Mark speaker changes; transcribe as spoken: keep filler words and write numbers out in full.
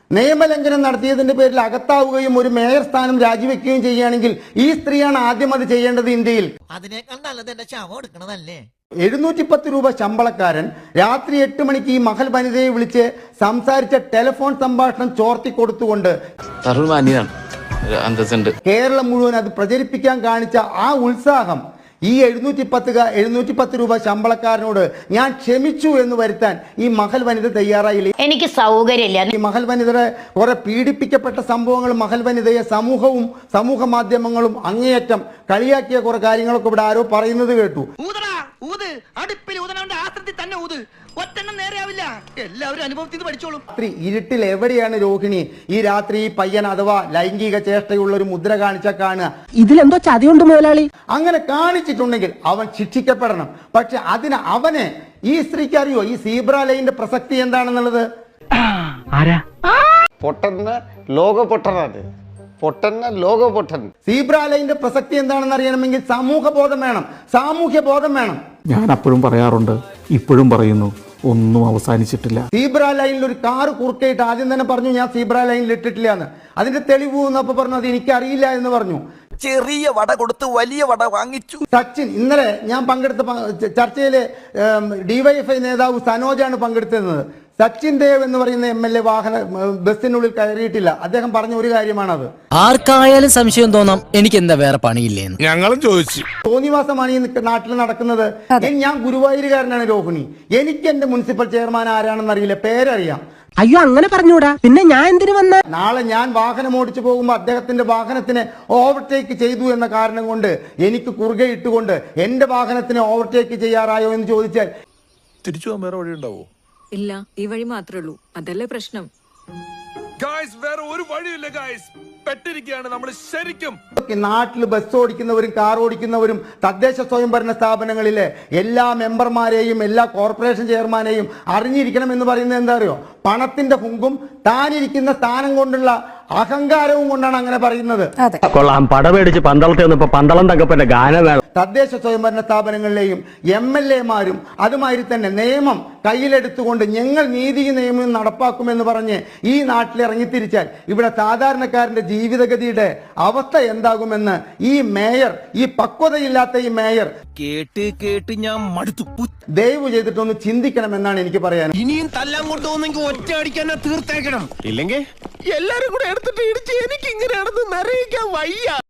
Speaker 1: നിയമലംഘനം നടത്തിയതിന്റെ പേരിൽ അകത്താവുകയും ഒരു മേയർ സ്ഥാനം രാജിവെക്കുകയും ചെയ്യുകയാണെങ്കിൽ ഈ സ്ത്രീയാണ് ആദ്യം അത് ചെയ്യേണ്ടത് ഇന്ത്യയിൽ.
Speaker 2: അതിനേക്കാൾ നല്ലത് എന്റെ ശവം എടുക്കണതല്ലേ.
Speaker 1: എഴുന്നൂറ്റി പത്ത് രൂപ ശമ്പളക്കാരൻ രാത്രി എട്ട് മണിക്ക് ഈ മഹൽ വനിതയെ വിളിച്ച് സംസാരിച്ച ടെലിഫോൺ സംഭാഷണം ചോർത്തി കൊടുത്തുകൊണ്ട് കേരളം മുഴുവൻ അത് പ്രചരിപ്പിക്കാൻ കാണിച്ച ആ ഉത്സാഹം ഈ എഴുന്നൂറ്റി പത്ത് എഴുന്നൂറ്റി പത്ത് രൂപ ശമ്പളക്കാരനോട് ഞാൻ ക്ഷമിച്ചു എന്ന് വരുത്താൻ ഈ മഹൽ വനിത തയ്യാറായില്ല.
Speaker 3: എനിക്ക് സൗകര്യമില്ല.
Speaker 1: ഈ മഹൽ വനിതയുടെ കുറെ പീഡിപ്പിക്കപ്പെട്ട സംഭവങ്ങളും മഹൽ വനിതയെ സമൂഹവും സമൂഹ മാധ്യമങ്ങളും അങ്ങേയറ്റം കളിയാക്കിയ കുറെ കാര്യങ്ങളൊക്കെ ഇവിടെ ആരോ പറയുന്നത് കേട്ടു. രാത്രി ഇരുട്ടിൽ എവിടെയാണ് രോഹിണി ഈ രാത്രി ഈ പയ്യൻ അഥവാ ലൈംഗിക ചേഷ്ടയുള്ള ഒരു മുദ്ര കാണിച്ച കാണുക?
Speaker 4: ഇതിലെന്തോ ചതിയുണ്ട് മുതലാളി.
Speaker 1: അങ്ങനെ കാണിച്ചിട്ടുണ്ടെങ്കിൽ അവൻ ശിക്ഷിക്കപ്പെടണം. പക്ഷെ അതിന് അവനെ ഈ സ്ത്രീക്ക് അറിയോ ഈ സീബ്ര ലൈനിന്റെ പ്രസക്തി എന്താണെന്നുള്ളത്?
Speaker 5: പൊട്ടന്ന ലോക പൊട്ടനാണ് പൊട്ടന്ന ലോക പൊട്ടൻ.
Speaker 1: സീബ്ര ലൈനിന്റെ പ്രസക്തി എന്താണെന്ന് അറിയണമെങ്കിൽ സമൂഹ ബോധം വേണം, സാമൂഹ്യ ബോധം വേണം.
Speaker 6: ഞാൻ അപ്പോഴും പറയാറുണ്ട്, ഇപ്പോഴും പറയുന്നു, ഒന്നും അവസാനിച്ചിട്ടില്ല.
Speaker 1: സീബ്ര ലൈനിൽ ഒരു കാറ് കുറുക്കയിട്ട് ആദ്യം തന്നെ പറഞ്ഞു ഞാൻ സീബ്ര ലൈനിൽ ഇട്ടിട്ടില്ല എന്ന്. അതിന്റെ തെളിവ് എന്നപ്പോ പറഞ്ഞു അത് എനിക്കറിയില്ല എന്ന് പറഞ്ഞു.
Speaker 2: ചെറിയ വട കൊടുത്ത് വലിയ വട വാങ്ങിച്ചു.
Speaker 1: സച്ചിൻ ഇന്നലെ ഞാൻ പങ്കെടുത്ത ചർച്ചയിലെ ഡിവൈഎഫ്ഐ നേതാവ് സനോജാണ് പങ്കെടുത്തിരുന്നത്. സച്ചിൻ ദേവ് എന്ന് പറയുന്ന എം എൽ എ വാഹന ബസ്സിനുള്ളിൽ കയറിയിട്ടില്ല. അദ്ദേഹം പറഞ്ഞ ഒരു കാര്യമാണത്.
Speaker 7: ആർക്കായാലും സംശയം തോന്നാം എനിക്ക് എന്താ വേറെ പണിയില്ലേന്ന്
Speaker 8: ഞങ്ങളും ചോദിച്ചു.
Speaker 1: തോന്നിവാസമാണ് ഈ നാട്ടിൽ നടക്കുന്നത്. ഞാൻ ഗുരുവായൂരുകാരനാണ് രോഹിണി. എനിക്ക് എന്റെ മുനിസിപ്പൽ ചെയർമാൻ ആരാണെന്ന് അറിയില്ല, പേരറിയാം.
Speaker 4: അയ്യോ അങ്ങനെ പറഞ്ഞൂടാ, പിന്നെ ഞാൻ എന്തിനു വന്ന?
Speaker 1: നാളെ ഞാൻ വാഹനം ഓടിച്ചു പോകുമ്പോൾ അദ്ദേഹത്തിന്റെ വാഹനത്തിനെ ഓവർടേക്ക് ചെയ്തു എന്ന കാരണം കൊണ്ട് എനിക്ക് കുറുകെ ഇട്ടുകൊണ്ട് എന്റെ വാഹനത്തിനെ ഓവർടേക്ക് ചെയ്യാറായോ എന്ന് ചോദിച്ചാൽ
Speaker 8: തിരിച്ചു പോകാൻ വേറെ വഴി ഉണ്ടാവോ?
Speaker 9: ഇല്ല, ഈ വഴി മാത്രമേ ഉള്ളൂ. അതല്ലേ പ്രശ്നം.
Speaker 8: വേറെ ഒരു വഴിയില്ല ഗായ്സ്, പെട്ടിരിക്കുകയാണ് നമ്മൾ ശരിക്കും.
Speaker 1: നാട്ടിൽ ബസ് ഓടിക്കുന്നവരും കാർ ഓടിക്കുന്നവരും തദ്ദേശ സ്വയംഭരണ സ്ഥാപനങ്ങളിലെ എല്ലാ മെമ്പർമാരെയും എല്ലാ കോർപ്പറേഷൻ ചെയർമാനെയും അറിഞ്ഞിരിക്കണം എന്ന് പറയുന്നത് എന്താ അറിയോ? പണത്തിന്റെ ഹുങ്കും താനിരിക്കുന്ന സ്ഥാനം കൊണ്ടുള്ള അഹങ്കാരവും കൊണ്ടാണ് അങ്ങനെ പറയുന്നത്.
Speaker 10: കൊള്ളാം, പടമേടിച്ച് പന്തളത്തെ വന്നപ്പോ പന്തളം തങ്കപ്പന്റെ ഗാനം.
Speaker 1: തദ്ദേശ സ്വയംഭരണ സ്ഥാപനങ്ങളിലെയും എം എൽ എമാരും അതുമാതിരി തന്നെ നിയമം കയ്യിലെടുത്തുകൊണ്ട് ഞങ്ങൾ നീതി നിയമം നടപ്പാക്കുമെന്ന് പറഞ്ഞ് ഈ നാട്ടിൽ ഇറങ്ങിത്തിരിച്ചാൽ ഇവിടെ സാധാരണക്കാരന്റെ ജീവിതഗതിയുടെ അവസ്ഥ എന്താകുമെന്ന് ഈ മേയർ, ഈ പക്വതയില്ലാത്ത ഈ മേയർ
Speaker 2: കേട്ട് കേട്ട് ഞാൻ മടുത്തു.
Speaker 1: ദയവ് ചെയ്തിട്ടൊന്ന് ചിന്തിക്കണമെന്നാണ് എനിക്ക് പറയാൻ.
Speaker 2: ഇനിയും തല്ലാൻ കൊണ്ടുപോകുന്നെങ്കിൽ ഒറ്റ അടിക്കാൻ തീർത്തേക്കണം, ഇല്ലെങ്കിൽ എല്ലാരും കൂടെ എടുത്തിട്ട് ഇടിച്ച് എനിക്ക് ഇങ്ങനെ നടന്ന് നിറയിക്കാൻ വയ്യ.